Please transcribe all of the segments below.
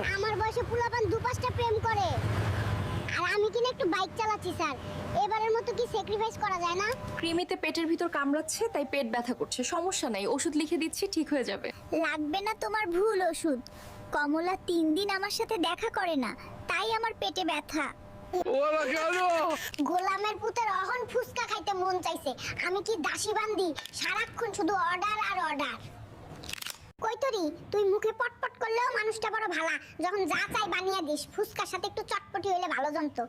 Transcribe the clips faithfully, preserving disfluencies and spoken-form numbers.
আমার বয়সে পোলাপান দু পাঁচটা প্রেম করে, আর আমি কিনা একটু বাইক চালাচ্ছি স্যার। এবারের মতো কি স্যাক্রিফাইস করা যায় না? কৃমিতে পেটের ভিতর কামড়াচ্ছে, তাই পেট ব্যথা করছে। সমস্যা নাই, ওষুধ লিখে দিচ্ছি, ঠিক হয়ে যাবে। লাগবে না তোমার ভুল ওষুধ। কমলা তিন দিন আমার সাথে দেখা করে না, তাই আমার পেটে ব্যথা। ওরা কেন? গোলামের পুতের অহন ফুসকা খাইতে মন চাইছে। আমি কি দাসী বান্দি? সারাক্ষণ শুধু অর্ডার আর অর্ডার। কই তোরি, তুই মুখে পটপট করলেও মানুষটা বড় ভালা। যখন যা চাই বানিয়ে দিস। ফুসকার সাথে একটু চটপটি হইলে ভালো জমতো।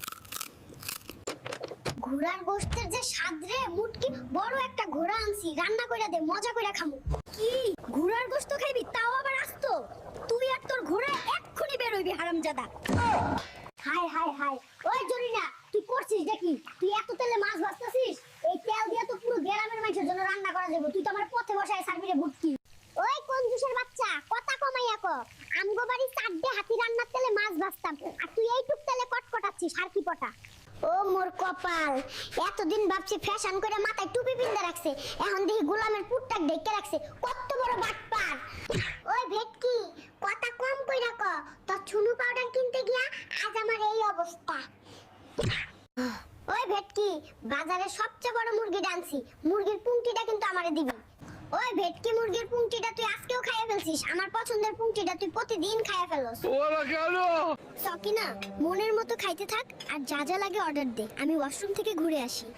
ঘোড়ার গোশতের যে স্বাদ রে, মুটকি বড় একটা ঘোড়া আনছি, রান্না কইরা দে, মজা কইরা খামু। কি ঘোড়ার গোশত খাইবি, তাও আবার আস্ত? তুই আর তোর ঘোড়া এক্ষুনি বের হইবি হারামজাদা। হাই হাই হাই, ওই জরিনা, তুই করছিস দেখি? তুই এত তেলে মাছ ভাজতাছিস? এই তেল দিয়ে তো পুরো গ্রামের মানুষের জন্য রান্না করা যাবে। তুই তো আমার পথে বসায় সার্ভিরে ভুটকি। ওই কঞ্জুসের বাচ্চা, কথা কমাইয়া ক। আমগো বাড়ি চারটে হাতি রান্নার তেলে মাছ ভাজতাম, আর তুই এইটুক তেলে কটকটাচ্ছিস আর কি পটা। ও মোর কপাল, এতদিন ভাবছি ফ্যাশন করে মাথায় টুপি পিন্দে রাখছে, এখন দেখি গোলামের পুটটাক ঢেকে রাখছে। কত বড় বাটপার! ওই ভেটকি, কথা কম কইরা ক। তোর ছুনু পাউডার কিনতে গিয়া আজ আমার এই অবস্থা। ওই ভেটকি, বাজারে সবচেয়ে বড় মুরগি ডানছি, মুরগির পুংটিটা কিন্তু আমারে দিবি। ওই ভেটকি, মুরগির পুংটিটা তুই আজকেও খাইয়া ফেলছিস। আমার পছন্দের পুংটিটা তুই প্রতিদিন খাইয়া ফেলস। ওরা কেন? সকিনা, মনের মতো খাইতে থাক, আর যা যা লাগে অর্ডার দে। আমি ওয়াশরুম থেকে ঘুরে আসি।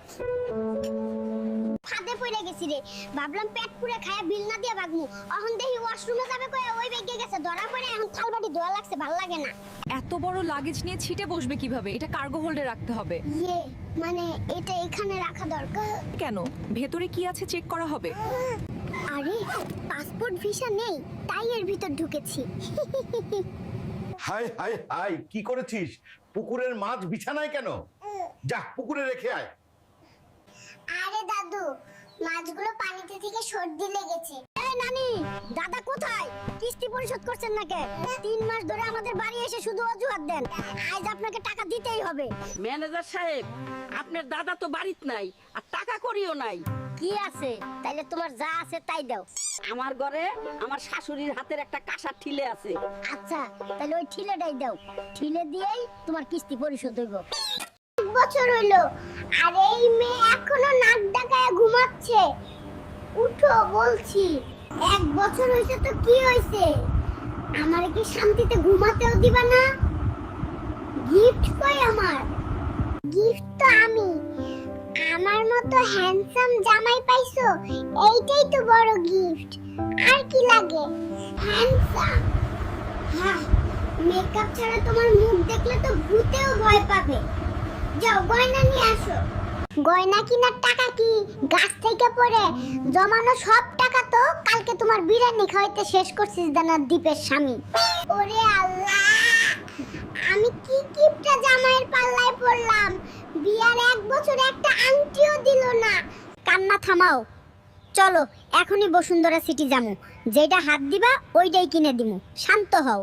ফাঁদে পড়ে গেছি রে, ভাবলাম পেট পুরে খায়া বিল না দিয়া ভাগমু। এখন দেখি ওয়াশরুমে যাবে কয়ে ওই বেগে গেছে, ধরা পড়ে এখন থালবাটি ধোয়া লাগছে, ভাল লাগে না। এত বড় লাগেজ নিয়ে ছিটে বসবে কিভাবে? এটা কার্গো হোল্ডে রাখতে হবে। ইয়ে, মানে এটা এখানে রাখা দরকার। কেন? ভেতরে কি আছে চেক করা হবে। আরে পাসপোর্ট ভিসা নেই, তাই এর ভিতর ঢুকেছি। হাই হাই হাই, কি করেছিস? পুকুরের মাছ বিছানায় কেন? যা পুকুরে রেখে আয়। আরে দাদু, মাছগুলো পানিতে থেকে সর্দি লেগেছে। এই নানি, দাদা কোথায়? কিস্তি পরিশোধ করছেন না কে? তিন মাস ধরে আমাদের বাড়ি এসে শুধু অজুহাত দেন। আজ আপনাকে টাকা দিতেই হবে। ম্যানেজার সাহেব, আপনার দাদা তো বাড়িতে নাই, আর টাকা করিও নাই। কি আছে? তাইলে তোমার যা আছে তাই দাও। আমার ঘরে আমার শাশুড়ির হাতের একটা কাঁসার ঠিলে আছে। আচ্ছা, তাহলে ওই ঠিলেটাই দাও। ঠিলে দিয়েই তোমার কিস্তি পরিশোধ হইব। এক বছর হইলো, আর এই মেয়ে এখনো নাক ডাকায় ঘুমাচ্ছে। উঠো বলছি। এক বছর হইছে তো কি হইছে? আমারে কি শান্তিতে ঘুমাতেও দিবা না? গিফট কই আমার? গিফট তো আমি। আমার মতো হ্যান্ডসাম জামাই পাইছো, এইটাই তো বড় গিফট। আর কি লাগে? হ্যান্ডসাম। হ্যাঁ, মেকআপ ছাড়া তোমার মুখ দেখলে তো ভূতেও ভয় পাবে। যাও গয়না নিয়ে আসো। গয়না কিনার টাকা কি গাছ থেকে পড়ে? জমানো সব টাকা তো কালকে তোমার বিরিয়ানি খাওয়াইতে শেষ করছিস দানার দ্বীপের স্বামী। ওরে আল্লাহ, আমি কি কিপটা জামাইয়ের পাল্লায় পড়লাম। বিয়ার এক বছর একটা আংটিও দিল না। কান্না থামাও, চলো এখনই বসুন্ধরা সিটি যামু। যেটা হাত দিবা ওইটাই কিনে দিমু। শান্ত হও।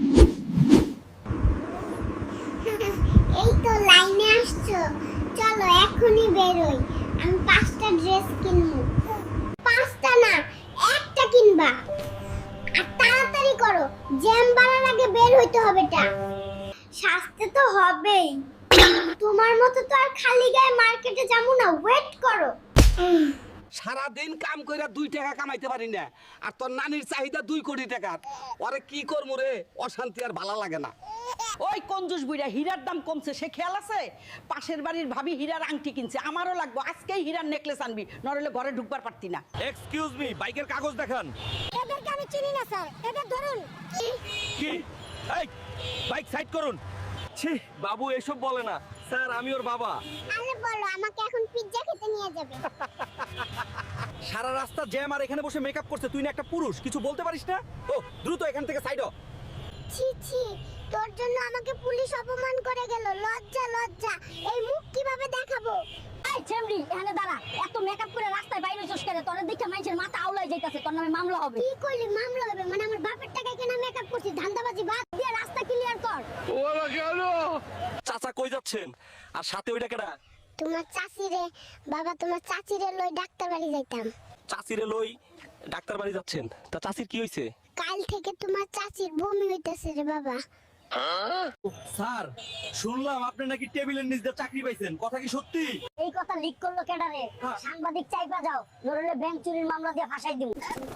এই তো লাইনে আসছো, চলো এখনই বেরোই। আমি পাঁচটা ড্রেস কিনবো। পাঁচটা না, একটা কিনবা। আর তাড়াতাড়ি করো, জ্যাম বাড়ার আগে বের হইতে হবেটা। সাজতে তো হবেই। তোমার মতো তো আর খালি গায়ে মার্কেটে যাবো না, ওয়েট করো। সারা দিন কাম কইরা দুই টাকা কামাইতে পারি না, আর তোর নানির চাহিদা দুই কোটি টাকা। ওরে কি করবো রে? অশান্তি আর ভালো লাগে না। ওই কঞ্জুস বুইড়া, হীরার দাম কমছে, সে খেয়াল আছে? পাশের বাড়ির ভাবি হীরার আংটি কিনছে, আমারও লাগবো। আজকেই হীরার নেকলেস আনবি, নরলে ঘরে ঢুকবার পারতি না। এক্সকিউজ মি, বাইকের কাগজ দেখান। এদেরকে আমি চিনি না স্যার, এদের ধরুন। কি? এই বাইক সাইড করুন। ছি, বাবু এসব বলে না। স্যার, আমি ওর বাবা। আরে বলো, আমাকে এখন পিজ্জা খেতে নিয়ে যাবে। সারা রাস্তা জ্যাম, আর এখানে বসে মেকআপ করছে। তুই না একটা পুরুষ, কিছু বলতে পারিস না? ও দ্রুত এখান থেকে সাইড হ। ছি ছি, তোর জন্য আমাকে পুলিশ অপমান করে গেল। লজ্জা লজ্জা, এই মুখ কিভাবে দেখাবো? এই চেমড়ি, এখানে দাঁড়া। এত মেকআপ করে রাস্তায় বাইরে চস করে, তোর দেখে মানুষের মাথা আউলাই যাইতাছে। তোর নামে মামলা হবে। কি কইলি মামলা হবে? মানে আমার বাপের টাকায় কেন মেকআপ করছিস? ধান্দাবাজি বাদ দিয়ে রাস্তা ক্লিয়ার কর। ওরা কেন? চাচা কই যাচ্ছেন? আর সাথে ওইটা কেডা? তোমার চাচি রে বাবা, তোমার চাচি রে লই ডাক্তার বাড়ি যাইতাম। চাচিরে লই ডাক্তার বাড়ি যাচ্ছেন? তা চাচির কি হইছে? কাল থেকে তোমার চাচির বমি হইতেছে রে বাবা। স্যার শুনলাম আপনি নাকি টেবিলের নিচ দিয়ে চাকরি পাইছেন, কথা কি সত্যি? এই কথা লিক করলো কেডারে? সাংবাদিক চাইবা যাও, নরলে ব্যাংক চুরির মামলা দিয়ে ফাঁসাই দিব।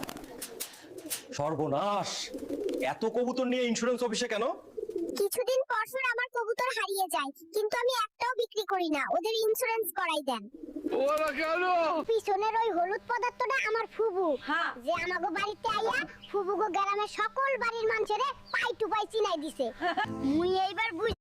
সর্বনাশ, এত কবুতর নিয়ে ইন্স্যুরেন্স অফিসে কেন? কিছুদিন পর পর আমার কবুতর হারিয়ে যায়, কিন্তু আমি একটাও বিক্রি করি না, ওদের ইন্স্যুরেন্স করাই দেন। পিছনের ওই হলুদ পদার্থটা আমার ফুবু, হ্যাঁ। যে আমাগো বাড়িতে আইয়া ফুবুগো গ্রামের সকল বাড়ির মানুষেরে পাই টু পাই চিনাই দিছে। মুই এইবার বুঝ